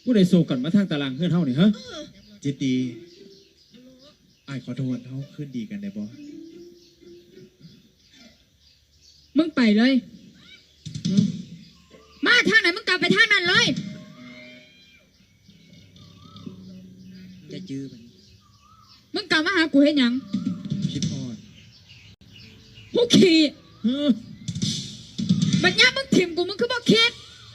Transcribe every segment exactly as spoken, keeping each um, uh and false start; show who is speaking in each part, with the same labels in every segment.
Speaker 1: ผู้ใดโศกกันมาทางตารางเพื่อนเท่านี่ฮะ
Speaker 2: จิตดีไอ้ขอโทษเขาขึ้นดีกันได้บ่
Speaker 3: มึงไปเลยมาทางไหนมึงกลับไปทางนั้นเลย
Speaker 2: จะจื้อมัน
Speaker 3: มึงกลับมาหากูเห็นยัง
Speaker 2: คิดพอด
Speaker 3: กูขี่บัดนี้มึงถิ่มกูมึงคือบ่คิด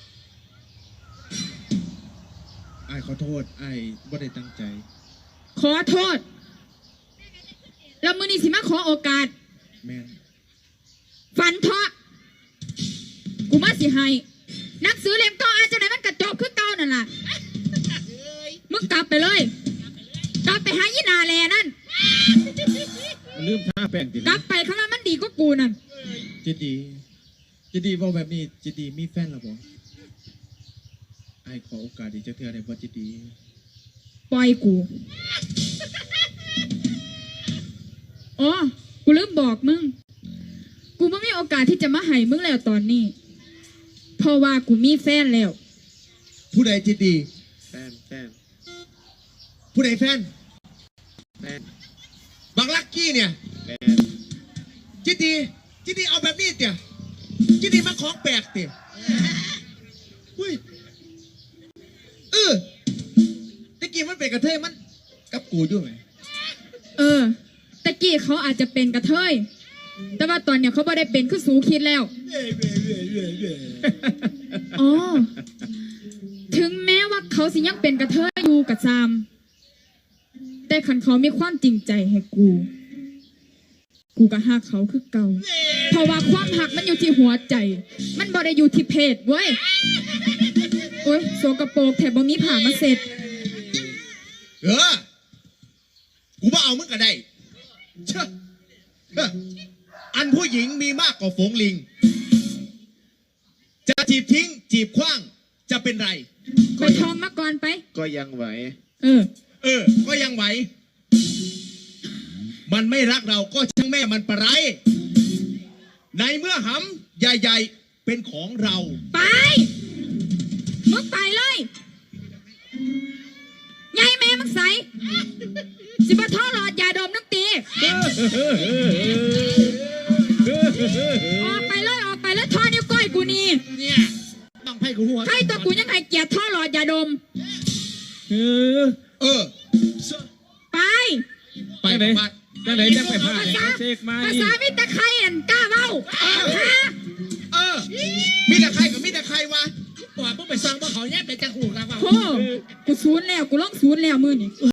Speaker 2: ไอ้ขอโทษไอ้บ่ได้ตั้งใจ
Speaker 3: ขอโทษแล้วมือนี้สิมาขอโอกาส
Speaker 2: แม่น
Speaker 3: ฝันเถอะกูมาสิให้หนังสือเล่มเก่าอาจจะไหนมันกระจกคือเก่านั่นล่ะมึงกลับไปเลยกลับไปหายีนาแลนั่น
Speaker 1: ลืมท่าแป้งติ
Speaker 3: กลับไปคำว่ามันดีก็กูนั่น
Speaker 2: จิตดีจิตดีบอกแบบนี้จิตดีมีแฟนหรอบ่ไอ้ขอโอกาสดีจะเทื่อได้บ่จิตดี
Speaker 3: ปล่อยกูอ๋อกูลืมบอกมึงกูไม่มีโอกาสที่จะมาให้มึงแล้วตอนนี้เพราะว่ากูมีแฟนแล้ว
Speaker 2: ผู้ใดจิตดี
Speaker 1: แฟนแฟน
Speaker 2: ผู้ใดแฟน
Speaker 1: แฟน
Speaker 2: บักลักกี้เนี่ย
Speaker 1: แฟน
Speaker 2: จิตดีจิตดีเอาแบบนี้เตี่ยจิตดีมาของแปลกเตี่ยอุ้ยเออตะกี้มันเป็นกระเทยมันกับกูอยู่ไหม
Speaker 3: เออตะกี้เขาอาจจะเป็นกระเทยแต่ว่าตอนเนี้ยเขาไม่ได้เป็นคือสูคิดแล้วอ๋อถึงแม้ว่าเขาสิยังเป็นกระเทยอยู่กับซามแต่ขันเขามีความจริงใจให้กูกูก็ฮักเขาคือเก่าเพราะว่าความหักมันอยู่ที่หัวใจมันบ่ได้อยู่ที่เพศเว้ยโอ้ยโสกโปรกแถบบ่มีผ่ามาเสร็จ
Speaker 2: เออกูว่าเอามึงก็ได้เชื่ออันผู้หญิงมีมากกว่าฝูงลิงจะจีบทิ้งจีบคว้างจะเป็นไร
Speaker 3: ไปทองมาก่อนไป
Speaker 1: ก็ยังไหว
Speaker 3: เออ
Speaker 2: เออก็ยังไหวมันไม่รักเราก็ช่างแม่มันปะไรในเมื่อหำใหญ่ๆเป็นของเรา
Speaker 3: ไปมึงไปเลยยายแม่มึงใส่สิบท่อหลอดยาดมน้ำตีออกไปเลยออกไปแล้วท่อนิ้วก้อยกูนี่
Speaker 2: เนี่ยต้องให้กูหัว
Speaker 3: ใครตัวกูยังไงเกียร์ท่อหลอดยาดม
Speaker 1: เออ
Speaker 2: เออ
Speaker 3: ไป
Speaker 2: ไปไหน
Speaker 1: จังไหนจังไปพาเช็คมา
Speaker 3: ภาษามิตรใครอันกล้าเบ้า
Speaker 2: เออมีแต่ใครกับมีแต่ใครวะว่าเพิ่งไปสั่งว่าเขาแยกไปจังหูกันว่า
Speaker 3: โอ้กูศูนย์แล้วกูร้องศูนย์แล้วมือนี่